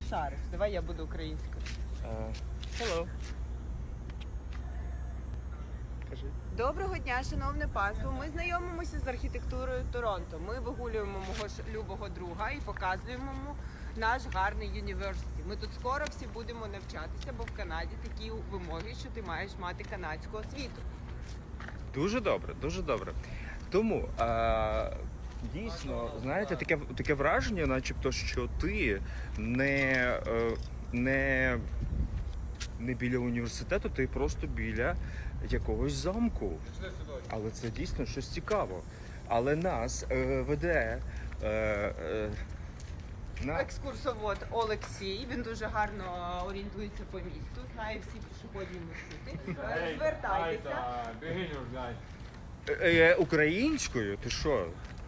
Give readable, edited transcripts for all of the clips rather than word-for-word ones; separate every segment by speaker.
Speaker 1: шариш. Давай я буду українською.
Speaker 2: Hello. Кажи.
Speaker 1: Доброго дня, шановне панство. Ми знайомимося з архітектурою Торонто. Ми вигулюємо мого ж любого друга і показуємо йому наш гарний університет. Ми тут скоро всі будемо навчатися, бо в Канаді такі вимоги, що ти маєш мати канадську освіту.
Speaker 2: Дуже добре, дуже добре. Тому дійсно, знаєте, таке враження, начебто, що ти не біля університету, ти просто біля якогось замку. Але це дійсно щось цікаво. Але нас веде
Speaker 1: Екскурсовод Олексій, він дуже гарно орієнтується по місту, знає всі пішохідні маршрути. Звертайтеся.
Speaker 2: Українською? Ти що?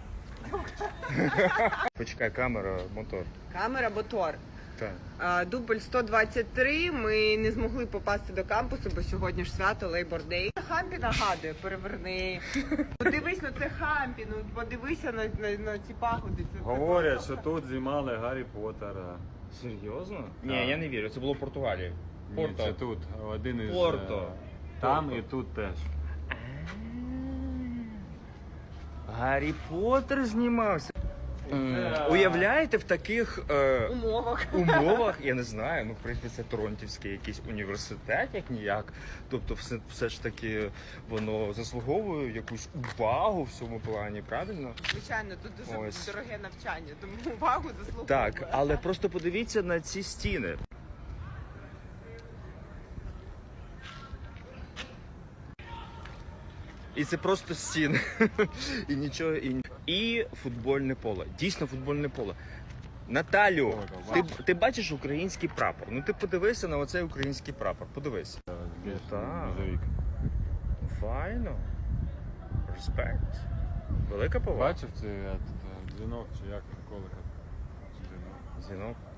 Speaker 2: Почекай, камера, мотор.
Speaker 1: Камера мотор.
Speaker 2: Так.
Speaker 1: Дубль 123, ми не змогли попасти до кампусу, бо сьогодні ж свято Labor Day. Хампі нагадує, переверни. Подивись на це Хампі, ну подивися на ці пагоди.
Speaker 3: Говорять, що тут знімали Гаррі Поттера.
Speaker 2: Серйозно? Ні, я не вірю, це було в Португалії.
Speaker 3: Ні, це тут. Один із...
Speaker 2: Порто.
Speaker 3: Там
Speaker 2: Порто.
Speaker 3: і тут теж.
Speaker 2: Гаррі Поттер знімався. Уявляєте, в таких умовах, я не знаю, ну в принципі це Торонтівський якийсь університет, як ніяк. Тобто все ж таки воно заслуговує якусь увагу в цьому плані, правильно?
Speaker 1: Звичайно, тут дуже
Speaker 2: Ось.
Speaker 1: дороге навчання, тому увагу заслуговує.
Speaker 2: Так, але просто подивіться на ці стіни. І це просто стіни. І нічого. І футбольне поле. Дійсно футбольне поле. Наталю, ти бачиш український прапор? Ну ти подивися на оцей український прапор. Подивись. Так. Файно. Респект. Велика повага.
Speaker 3: Бачив цей дзвінок, чи як колика?
Speaker 2: Дзвінок.